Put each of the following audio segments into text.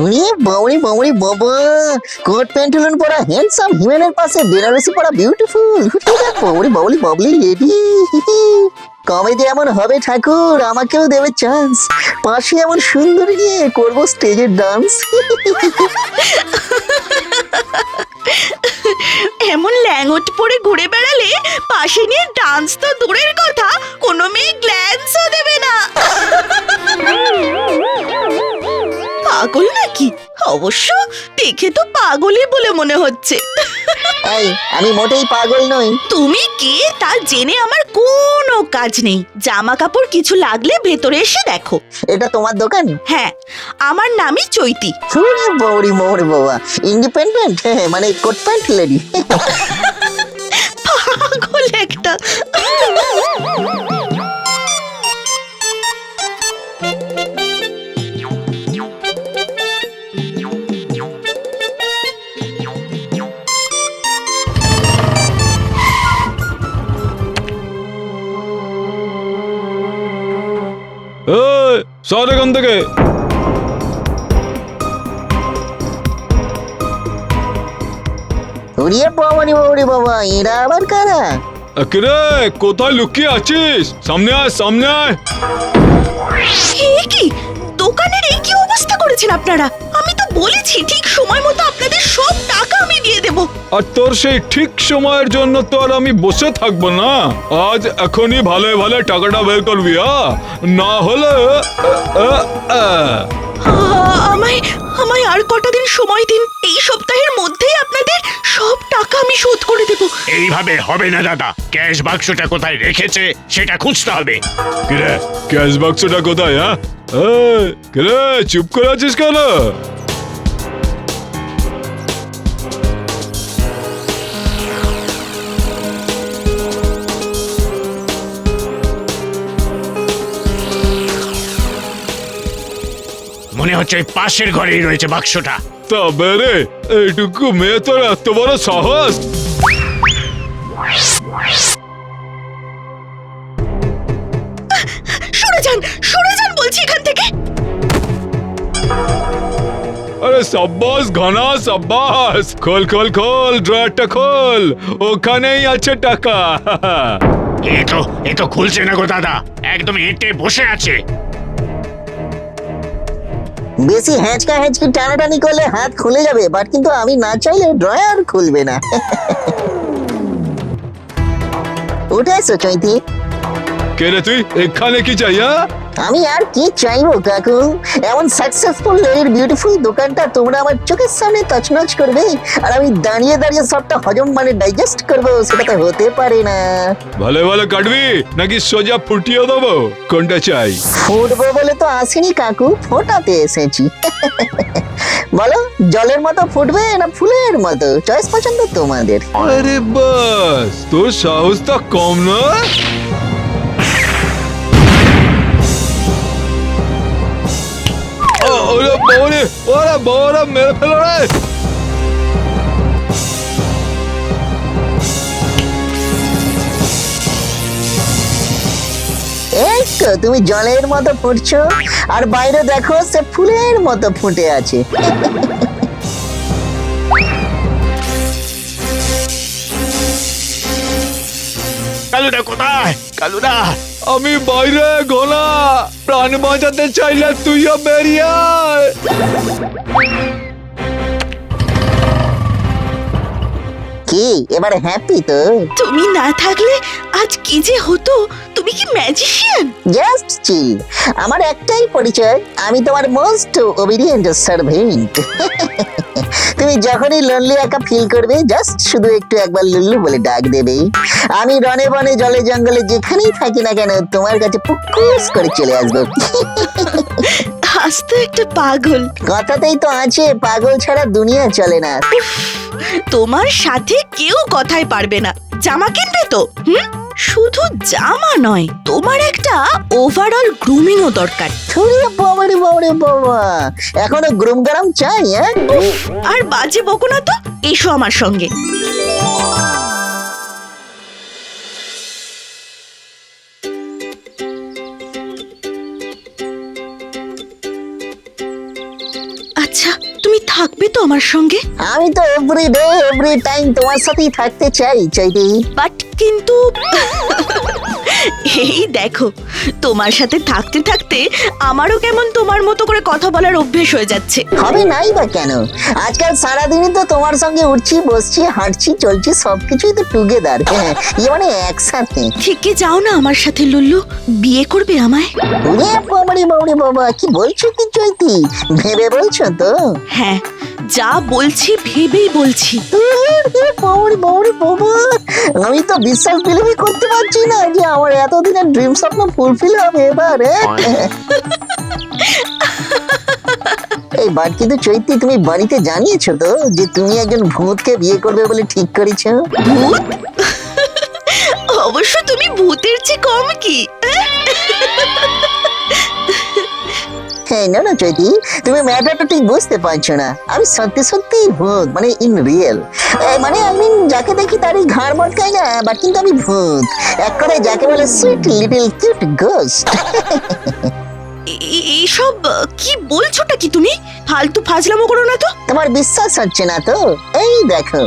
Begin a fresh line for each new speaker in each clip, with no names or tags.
উনি বাউরি বাউরি বাবা, কোট প্যান্টুলন পরা হ্যান্ডসাম হিমেনের পাশে বেনারসি পরা বিউটিফুল বাউরি বাউলি বাবলি লেডি। কমেডি এমন হবে ঠাকুর, আমাকেও দেবে চান্স। পাশে এমন সুন্দরী নিয়ে করবো স্টেজের ডান্স।
এমন ল্যাঙ্গট পরে ঘুরে বেড়ালে পাশে নিয়ে ডান্স তো দূরের কথা, কোনো মেয়ে গ্ল্যান্সও দেবে না। পাগল নাকি? অবশ্য দেখে তো পাগলই বলে মনে হচ্ছে।
এই, আমি মোটেই পাগল নই।
তুমি কে তা জেনে আমার কোনো কাজ নেই। জামা কাপড় কিছু লাগলে ভেতরে এসে দেখো।
এটা তোমার দোকান?
হ্যাঁ, আমার নামই চৈতি।
শুনে বাউরি বাউরি বাবা, ইন্ডিপেন্ডেন্ট, মানে কোট প্যান্ট লেডি।
পাগল একটা।
সর এখান থেকে।
উড়িয়ে বাউরি বাউরি বাবা, এরা আবার কারা?
কিরে, কোথায় লুকিয়ে আছিস? সামনে আয়, সামনে আয়।
এ কি, দোকানের এই কি অবস্থা করেছেন আপনারা? আমি তো বলেছি ঠিক সময় মতো আপনাদের সব টাকা আমি দিয়ে দেব।
আর তোর সেই ঠিক সময়ের জন্য তো আর আমি বসে থাকবো না। আজ এখনই ভালো ভালো টাকাটা বের করবি, না হলে
আমায় আমায় আর কটা দিন সময় দিন। এই সপ্তাহের মধ্যেই আপনাদের সব টাকা আমি শোধ করে দেব।
এইভাবে হবে না দাদা, ক্যাশ বাক্সটা কোথায় রেখেছে সেটা খুঁজতে হবে।
কিরে, ক্যাশ বাক্সটা কোথায়? কিরে, চুপ করে আছিস কেন?
মনে হচ্ছে ওই পাশের ঘরেই রয়েছে বাক্সটা।
তবে রে, এইটুকু মেয়ে তোর এত বড় সাহস?
সরে যান বলছি এখান থেকে।
আরে সাব্বাস ঘনা, সাব্বাস। খোল খোল খোল, ড্রয়ারটা খোল, ওখানেই আছে টাকা।
এ তো খুলছে না গো দাদা, একদম এঁটে বসে আছে।
বেশি হ্যাঁচকা হ্যাঁচকি টানাটানি করলে হাত খুলে যাবে, বাট কিন্তু আমি না চাইলে ড্রয়ার খুলবে না। উঠে এসো চৈতি।
কে রে তুই? এখানে কি চাই?
আমি আর কি চাইবো কাকু, এমন সাকসেসফুল লেডির বিউটিফুল দোকানটা তোমরা আমার চোখের সামনে তছনছ করবে, আর আমি দাঁড়িয়ে দাঁড়িয়ে সবটা হজম মানে ডাইজেস্ট করবো, সেটা তো হতে পারে না।
ভালো ভালো কাটবি নাকি সোজা ফুটিয়ে দেবো? কোনটা চাই?
ফুটবো বলে তো আসিনি কাকু, ফোটাতে এসেছি। বলো, জলের মতো ফুটবে না ফুলের মতো? চয়েস পছন্দ তোমাদের।
আরে বাস, তোর সাহসটা কম না? ওরে বাবারে, ওরে বাবারা, মেরে ফেলো রে।
এই তো তুমি জলের মতো ফুটছো, আর বাইরে দেখো সে ফুলের মতো ফুটে আছে।
কালুদা কোথায়? কালুদা,
আমি বাইরে গোলা, প্রাণ বাঁচাতে চাইলে তুইও বেরিয়ে আয়।
কি এবারে হ্যাপি তো?
তুমি না থাকলে আজ কি যে হতো। তুমি কি ম্যাজিশিয়ান?
Just chill. আমার একটাই পরিচয়, আমি তোমার মোস্ট ওবিডিয়েন্ট সার্ভেন্ট। তুমি যখনই লোনলি একা ফিল করবে, জাস্ট শুধু একটু একবার লুল্লু বলে ডাক দেবে। আমি রনে বনে জলে জঙ্গলে যেখানেই থাকি না কেন, তোমার কাছে পুকুস করে চলে আসবো।
আজ তো একটা পাগল।
কথাতেই তো আছে, পাগল ছাড়া দুনিয়া চলে না।
তোমার সাথে কেউ কথাই পারবে না। জামা কিনবে তো? শুধু জামা নয়, তোমার একটা ওভারঅল গ্রুমিংও দরকার।
ছড়িয়ে বাবারে বাবারে বাবা, এখনো গ্রুম গরম চাই?
আর বাজে বকো না তো, এসো আমার সঙ্গে। আচ্ছা, থাকবে তো আমার সঙ্গে?
আমি তো এভরি ডে এভরি টাইম তোমার সাথেই থাকতে চাই চৈতি।
বাট কিন্তু এই দেখো, তোমার সাথে থাকতে থাকতে আমারও কেমন তোমার মতো করে কথা বলার অভ্যেস হয়ে যাচ্ছে।
হবে নাই বা কেন? আজকাল সারাদিনই তো তোমার সঙ্গে উঠছি, বসছি, হাঁটছি, চলছি, সবকিছুই তো টুগেদার। মানে একসাথে।
থেকে যাও না আমার সাথে লুল্লু, বিয়ে করবে আমায়?
ওরে বাবারে বাবারে বাবা, কি বলছো কি চৈতি? ভেবে বলছো তো?
হ্যাঁ, যা বলছি ভেবেই বলছি।
বাবারে বাবারে বাবা, আমি তো বিশ্বাস বিলিভই করতে পারছি না যে আমার এতদিনের ড্রিম স্বপ্ন ফুলফিল হবে এবার। এই বার কিন্তু চৈতি, তুমি বাড়িতে জানিয়েছো তো যে তুমি একজন ভূতকে বিয়ে করবে বলে ঠিক করেছো?
ভূত? অবশ্য তুমি ভূতের চেয়ে কম কি?
হ্যাঁ, না না চৈতি, তুমি ম্যাটারটা ঠিক বুঝতে পারছো না। আমি সত্যি সত্যি ভূত, মানে ইন রিয়েল। মানে আমি যাকে দেখি তারই ঘাড় মটকাই না, বাট কিন্তু আমি ভূত। এক করে যাকে বলে সুইট লিটল কিউট গোস্ট।
এইসব কি বলছোটা কি তুমি? ফালতু ফাজলামো করো না তো।
তোমার বিশ্বাস হচ্ছে না তো? এই দেখো।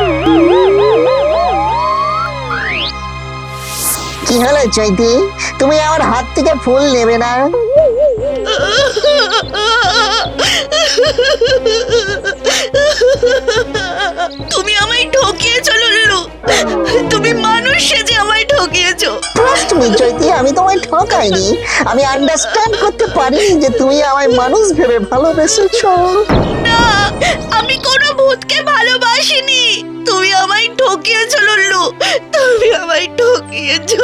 কি হলো চৈতি, তুমি আমার হাত থেকে ফুল নেবে না?
তুমি আমায় ঠকিয়েছো লুল্লু, তুমি মানুষ সেজে আমায় ঠকিয়েছো।
ট্রাস্ট মি চৈতি, আমি তোমায় ঠকাইনি। আমি আন্ডারস্ট্যান্ড করতে পারিনি যে তুমি আমায় মানুষ ভেবে ভালোবেসেছো।
না, আমি কোনো ভূতকে ভালোবাসিনি। তুমি আমায় ঠকিয়েছো লুল্লু, তুমি আমায় ঠকিয়েছো।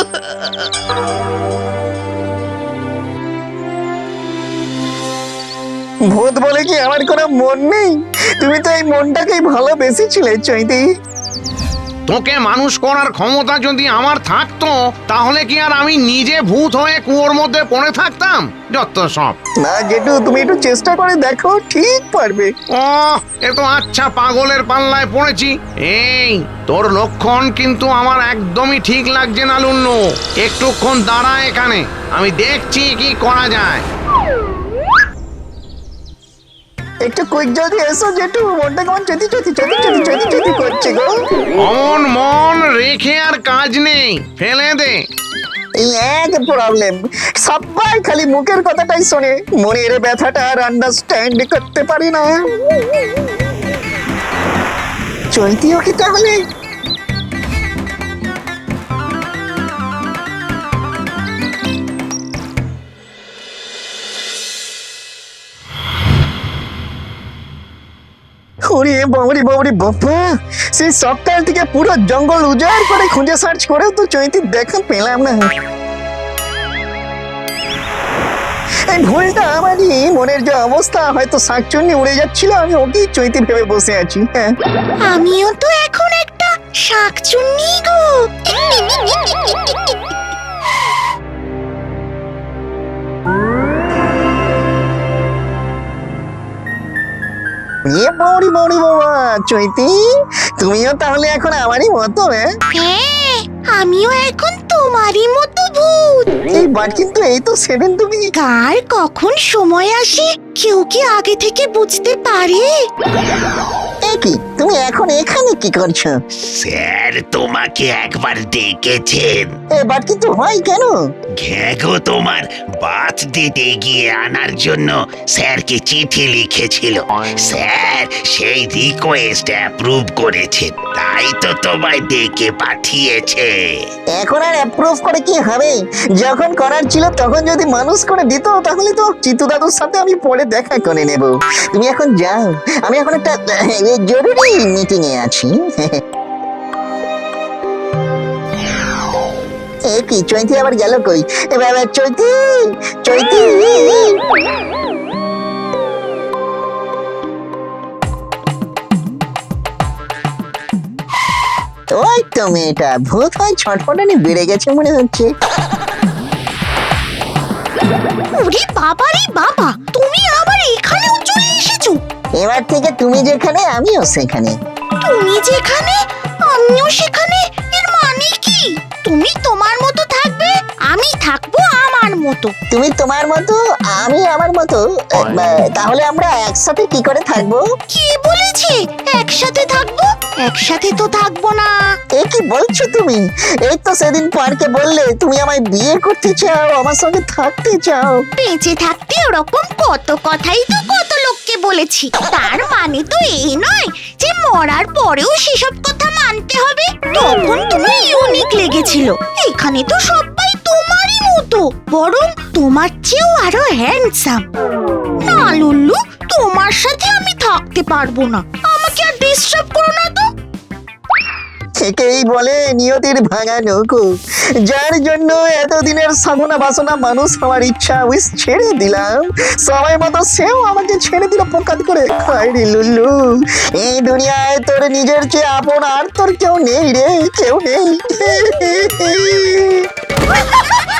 ভূত বলে কি আমার কোনো মন নেই? তুমি তো এই মনটাকেই ভালোবেসেছিলে চৈতি।
তোকে মানুষ করার ক্ষমতা যদি আমার থাকতো তাহলে কি আর আমি নিজে ভূত হয়ে কুয়োর মধ্যে পড়ে থাকতাম? যত সব।
না জেঠু, তুমি একটু চেষ্টা করে দেখো, ঠিক পারবে।
ও, এ তো আচ্ছা পাগলের পাল্লায় পড়েছি। এই তোর লক্ষণ কিন্তু আমার একদমই ঠিক লাগছে না লুল্লু। একটুক্ষণ দাঁড়া এখানে, আমি দেখছি কি করা যায়।
একটু কুইক জলদি এসো জেঠু, মনটা কেমন চতি চতি চতি চতি চতি চতি করছে গো।
অমন মন রেখে আর কাজ নেই, ফেলে দে।
এই এক প্রবলেম, সবাই খালি মুখের কথাটাই শোনে, মনের ব্যথাটা আর আন্ডারস্ট্যান্ড করতে পারি না। চৈতিও কি তাহলে? ওরে বাবরি বাবরি বাবা, সেই সপ্তাহ থেকে পুরো জঙ্গল উজাড় করে খুঁজে সার্চ করেও তো চৈতি দেখা পেলাম না। এই ভুলটা আমারই, মনের যে অবস্থা, হয়তো শাকচুন্নি উড়ে যাচ্ছিল, আমি ওকেই চৈতি ভেবে বসে আছি। হ্যাঁ,
আমিও তো এখন একটা শাকচুন্নি গো।
এ বাবরি বাবরি বাবা, চৈতি তুমিও তাহলে এখন আমারই মতো?
হ্যাঁ, আমিও এখন তোমারই মতো ভূত।
এই বাট কিন্তু এই তো সেদিন তুমি।
কার কখন সময় আসে কেউ কি আগে থেকে বুঝতে পারে?
এ কি, তুমি এখন এখানে কি করছো?
স্যার তোমাকে একবার ডেকেছেন।
এ বাট কিন্তু হয় কেন?
ঘ্যাগো তোমার বার্থডেতে গিয়ে আনার জন্য স্যারকে চিঠি লিখেছিল। স্যার সেই রিকোয়েস্ট অ্যাপ্রুভ করেছে, তাই তো তোমায় ডেকে পাঠিয়েছে।
এখন আর অ্যাপ্রুভ করে কি হবে? যখন করার ছিল তখন যদি মানুষ করে দিত, তাহলে তো চিতু দাদুর সাথে আমি পরে দেখা করে নেব। তুমি এখন যাও, আমি এখন একটা জরুরি মিটিং এ আছি। এ কি, চৈতি আবার গেল কই? এ বাবা, চৈতি চৈতি, ওই তো মেয়েটা, ভূত হয় ছটফটানি বেড়ে গেছে মনে হচ্ছে।
ওরে বাবা রে বাবা, তুমি আবার এখানেও চলে এসেছো।
এবার থেকে তুমি যেখানে আমিও সেখানে।
তুমি যেখানে আমিও সেখানে, এর মানে কি? তুমি তোমার মতো থাকবে, আমি থাকবো আমার মতো।
মতো।
তুমি তোমার মতো, আমি আমার মতো, তাহলে আমরা একসাথে কি করে থাকবো?
কি বলেছে একসাথে থাকবো? একসাথে তো থাকবো না।
এ কি বলছো তুমি? এই তো সেদিন পার্কে বললে তুমি আমায় বিয়ে করতে চাও, আমার সঙ্গে থাকতে চাও।
বেঁচে থাকতে ওরকম কত কথাই তো কত লোককে বলেছি, তার মানে তো এই নয় যে মরার পরেও সেসব কথা মানতে হবে। তখন তুমি ইউনিক লেগেছিল, এখানে তো সবাই তোমারই মতো, বরং তোমার চেয়েও আরো হ্যান্ডসাম। না লুল্লু, তোমার সাথে আমি থাকতে পারবো না, আমাকে আর ডিস্টার্ব করো না তো।
একেই বলে নিয়তির ভাঙা নৌকো, যার জন্য এতদিনের সাধনা বাসনা মানুষ আমার ইচ্ছা উইস ছেড়ে দিলাম, সবাই মতো সেও আমাকে ছেড়ে দিল পোকাত করে। হায় রে লুল্লু, এই দুনিয়ায় তোর নিজের চেয়ে আপন আর তোর কেউ নেই রে, কেউ নেই।